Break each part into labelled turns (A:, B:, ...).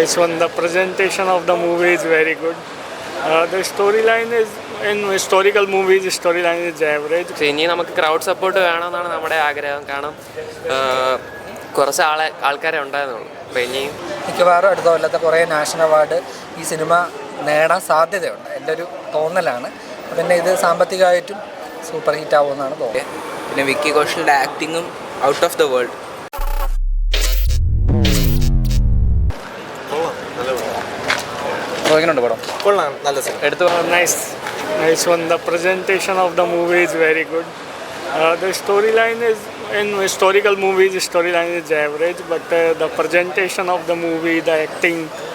A: nice one. The presentation of the movie is very good. The storyline is, in historical movies, storyline is average.
B: ഇനി നമുക്ക് crowd support വേണമെന്നാണ് നമ്മുടെ ആഗ്രഹം. കാരണം കുറച്ച് ആൾക്കാരെ ഉണ്ടായിരുന്നുള്ളൂ. അപ്പോൾ ഇനിയും
C: മിക്കവാറും അടുത്ത കൊല്ലത്തെ കുറേ നാഷണൽ അവാർഡ് ഈ സിനിമ നേടാൻ സാധ്യതയുണ്ട്. എൻ്റെ ഒരു തോന്നലാണ്. പിന്നെ ഇത് സാമ്പത്തികമായിട്ടും സൂപ്പർ ഹിറ്റ് ആവുമെന്നാണ് തോന്നുന്നത്.
D: പിന്നെ വിക്കി കൗശലിൻ്റെ ആക്ടിങ്ങും ഔട്ട് ഓഫ് ദ വേൾഡ്.
C: എങ്ങനെയുണ്ട് പടം?
E: കൊള്ളാം, നല്ല സിനിമ.
C: എടുത്തു
A: Nice one. The presentation of the movie is very good. The storyline is, in historical movies, storyline is average, but the presentation of the movie, the acting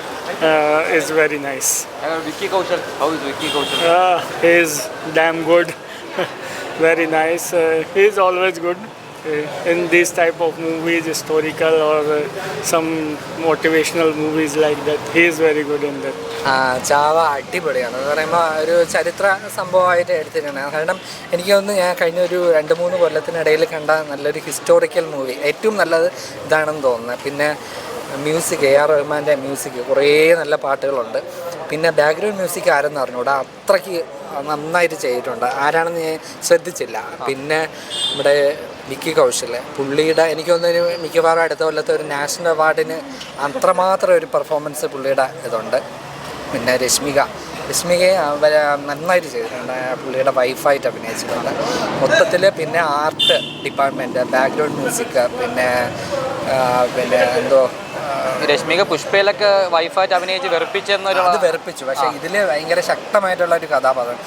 A: is very nice.
C: Vicky Kaushal, how is Vicky Kaushal?
A: He is damn good. Very nice. He is always good in these type of movies, historical or some motivational movies like that. He is very good in that.
C: ചാവ അടിപൊളിയാണ്. എന്ന് പറയുമ്പോൾ ഒരു ചരിത്ര സംഭവമായിട്ട് എടുത്തിട്ടുണ്ട്. കാരണം എനിക്ക് തോന്നുന്നു ഞാൻ കഴിഞ്ഞ ഒരു 2-3 കൊല്ലത്തിനിടയിൽ കണ്ട നല്ലൊരു ഹിസ്റ്റോറിക്കൽ മൂവി ഏറ്റവും നല്ലത് ഇതാണെന്ന് തോന്നുന്നത്. പിന്നെ മ്യൂസിക്, AR റഹ്മാൻ്റെ മ്യൂസിക്, കുറേ നല്ല പാട്ടുകളുണ്ട്. പിന്നെ ബാക്ക്ഗ്രൗണ്ട് മ്യൂസിക് ആരെന്ന് അറിഞ്ഞൂടാ, അത്രയ്ക്ക് നന്നായിട്ട് ചെയ്തിട്ടുണ്ട്. ആരാണെന്ന് ഞാൻ ശ്രദ്ധിച്ചില്ല. പിന്നെ നമ്മുടെ വിക്കി കൗശൽ, പുള്ളിയുടെ എനിക്ക് തോന്നുന്നു മിക്കവാറും അടുത്ത കൊല്ലത്തെ ഒരു നാഷണൽ അവാർഡിന് അത്രമാത്രം ഒരു പെർഫോമൻസ് പുള്ളിയുടെ ഇതുണ്ട്. പിന്നെ രശ്മികയെ നന്നായിട്ട് ചെയ്തിട്ടുണ്ട്. പുള്ളിയുടെ വൈഫായിട്ട് അഭിനയിച്ചിട്ടുണ്ട് മൊത്തത്തിൽ. പിന്നെ ആർട്ട് ഡിപ്പാർട്ട്മെൻറ്റ്, ബാക്ക്ഗ്രൗണ്ട് മ്യൂസിക്, പിന്നെ എന്തോ
F: രശ്മിക പുഷ്പയിലൊക്കെ വൈഫായിട്ട് അഭിനയിച്ച് വെറുപ്പിച്ചെന്നൊരു
C: അത് വെറുപ്പിച്ചു. പക്ഷേ ഇതിൽ ഭയങ്കര ശക്തമായിട്ടുള്ള ഒരു കഥാപാത്രം.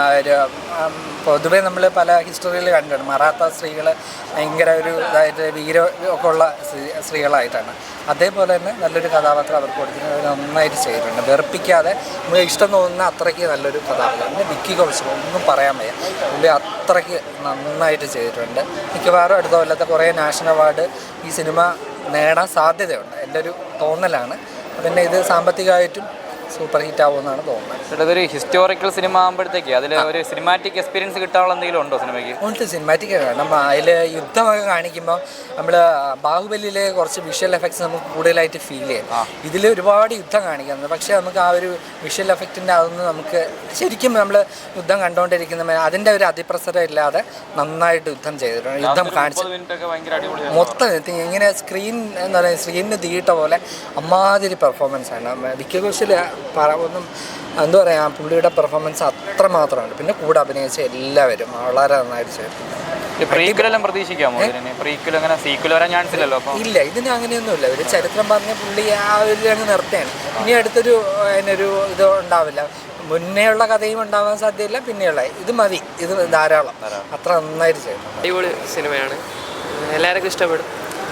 C: പൊതുവേ നമ്മൾ പല ഹിസ്റ്ററിയിൽ കണ്ടിട്ടുണ്ട് മറാത്ത സ്ത്രീകൾ ഭയങ്കര ഒരു ഇതായിട്ട് ഒക്കെ ഉള്ള സ്ത്രീകളായിട്ടാണ്. അതേപോലെ തന്നെ നല്ലൊരു കഥാപാത്രം അവർക്ക് കൊടുക്കുന്നത് നന്നായിട്ട് ചെയ്തിട്ടുണ്ട്. വെറുപ്പിക്കാതെ നമുക്ക് ഇഷ്ടം തോന്നുന്ന അത്രയ്ക്ക് നല്ലൊരു കഥാപാത്രം. പിന്നെ വിക്കി കൗശൽ ഒന്നും പറയാൻ വയ്യ, പുള്ളി അത്രയ്ക്ക് നന്നായിട്ട് ചെയ്തിട്ടുണ്ട്. മിക്കവാറും അടുത്ത കൊല്ലത്തെ കുറേ നാഷണൽ അവാർഡ് ഈ സിനിമ നേടാൻ സാധ്യതയുണ്ട്. എൻ്റെ ഒരു തോന്നലാണ്. പിന്നെ ഇത് സാമ്പത്തികമായിട്ടും സൂപ്പർ ഹിറ്റ് ആവുമെന്നാണ് തോന്നുന്നത്.
F: ഇതൊരു ഹിസ്റ്റോറിക്കൽ സിനിമ ആകുമ്പോഴത്തേക്ക് അതിൽ ഒരു സിനിമാറ്റിക് എക്സ്പീരിയൻസ് കിട്ടാനുള്ള എന്തെങ്കിലും ഉണ്ടോ സിനിമയ്ക്ക്?
C: ഉണ്ട്, സിനിമാറ്റിക്. കാരണം അതിൽ യുദ്ധമൊക്കെ കാണിക്കുമ്പോൾ നമ്മൾ ബാഹുബലിയിലെ കുറച്ച് വിഷ്വൽ എഫക്ട്സ് നമുക്ക് കൂടുതലായിട്ട് ഫീൽ ചെയ്യും. ഇതിൽ ഒരുപാട് യുദ്ധം കാണിക്കുന്നത്, പക്ഷേ നമുക്ക് ആ ഒരു വിഷ്വൽ എഫക്റ്റിൻ്റെ അതൊന്നും നമുക്ക് ശരിക്കും നമ്മൾ യുദ്ധം കണ്ടുകൊണ്ടിരിക്കുന്ന അതിൻ്റെ ഒരു അതിപ്രസരം ഇല്ലാതെ നന്നായിട്ട് യുദ്ധം ചെയ്തിട്ടുണ്ട്. യുദ്ധം കാണിച്ചു മൊത്തം ഇങ്ങനെ എന്താ പറയുക, സ്ക്രീനിന് തീയിട്ട പോലെ അമ്മാതിരി പെർഫോമൻസാണ്. വിക്കി കൗശൽ ഒന്നും എന്താ പറയുക, പുള്ളിയുടെ പെർഫോമൻസ് അത്രമാത്രമാണ്. പിന്നെ കൂടെ അഭിനയിച്ച എല്ലാവരും വളരെ നന്നായിട്ട് ചെയ്തു.
F: പ്രതീക്ഷിക്കാമോ?
C: ഇല്ല, ഇതിന് അങ്ങനെയൊന്നുമില്ല. ഒരു ചരിത്രം പറഞ്ഞ പുള്ളി ആ ഒരു അങ്ങ് നിർത്തുകയാണ്. ഇനി അടുത്തൊരു അതിനൊരു ഇത് ഉണ്ടാവില്ല. മുന്നേ ഉള്ള കഥയും ഉണ്ടാവാൻ സാധ്യതയില്ല. പിന്നെയുള്ള ഇത് മതി, ഇത് ധാരാളം. അത്ര നന്നായിട്ട് ചെയ്തു.
B: അടിപൊളി സിനിമയാണ്, എല്ലാവർക്കും ഇഷ്ടപ്പെടും.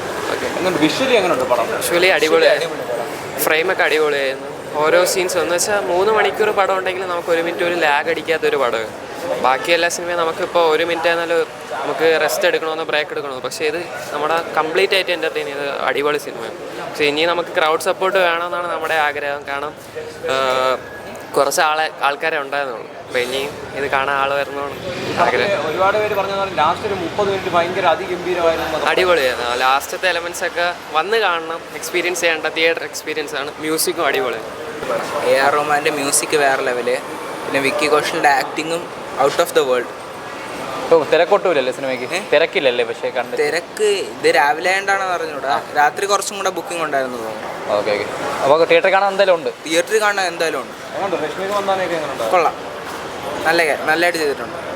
F: വിഷ്വലി
B: അടിപൊളിയായിരുന്നു. ഫ്രെയിമൊക്കെ അടിപൊളിയായിരുന്നു. ഓരോ സീൻസും എന്ന് വെച്ചാൽ 3 മണിക്കൂർ പടം ഉണ്ടെങ്കിൽ നമുക്ക് 1 മിനിറ്റ് ഒരു ലാഗ് അടിക്കാത്തൊരു പടം. ബാക്കി എല്ലാ സിനിമയും നമുക്കിപ്പോൾ 1 മിനിറ്റ് ആയിരുന്നാലും നമുക്ക് റെസ്റ്റ് എടുക്കണമെന്നോ ബ്രേക്ക് എടുക്കണമെന്നോ, പക്ഷേ ഇത് നമ്മുടെ കംപ്ലീറ്റ് ആയിട്ട് എൻ്റർടൈൻ ചെയ്ത് അടിപൊളി സിനിമയാണ്. പക്ഷേ ഇനി നമുക്ക് ക്രൗഡ് സപ്പോർട്ട് വേണമെന്നാണ് നമ്മുടെ ആഗ്രഹം. കാരണം കുറച്ച് ആൾക്കാരെ ഉണ്ടായിരുന്നുള്ളൂ. അപ്പോൾ ഇനിയും ഇത് കാണാൻ ആൾ വരണമെന്നാണ് ആഗ്രഹം.
F: ഒരുപാട് പേര് പറഞ്ഞു ലാസ്റ്റ് ഒരു 30 മിനിറ്റ് ഭയങ്കര അതിഗംഭീരമായിരുന്നു.
B: അടിപൊളിയായിരുന്നു. ലാസ്റ്റത്തെ എലമെൻസ് ഒക്കെ വന്ന് കാണണം, എക്സ്പീരിയൻസ് ചെയ്യേണ്ട തിയേറ്റർ എക്സ്പീരിയൻസ് ആണ്. മ്യൂസിക്കും അടിപൊളിയാണ്.
D: AR റഹ്മാൻ്റെ മ്യൂസിക് വേറെ ലെവല്. പിന്നെ വിക്കി കൗശലിൻ്റെ ആക്ടിങ്ങും ഔട്ട് ഓഫ് ദ വേൾഡ്.
F: ഇപ്പോൾ തിരക്കൊട്ടുമില്ലല്ലേ സിനിമയ്ക്ക്? തിരക്കില്ലല്ലേ? പക്ഷേ
D: തിരക്ക് ഇത് രാവിലെ ആയതുകൊണ്ടാണെന്ന് അറിഞ്ഞൂടാ. രാത്രി കുറച്ചും കൂടെ ബുക്കിംഗ് ഉണ്ടായിരുന്നു തോന്നുന്നു.
F: ഓക്കെ. അപ്പോൾ തിയേറ്ററിൽ കാണാൻ എന്തായാലും ഉണ്ട്.
D: തിയേറ്ററിൽ കാണാൻ എന്തായാലും ഉണ്ട്. കൊള്ളാം, നല്ലതായിട്ട് ചെയ്തിട്ടുണ്ട്.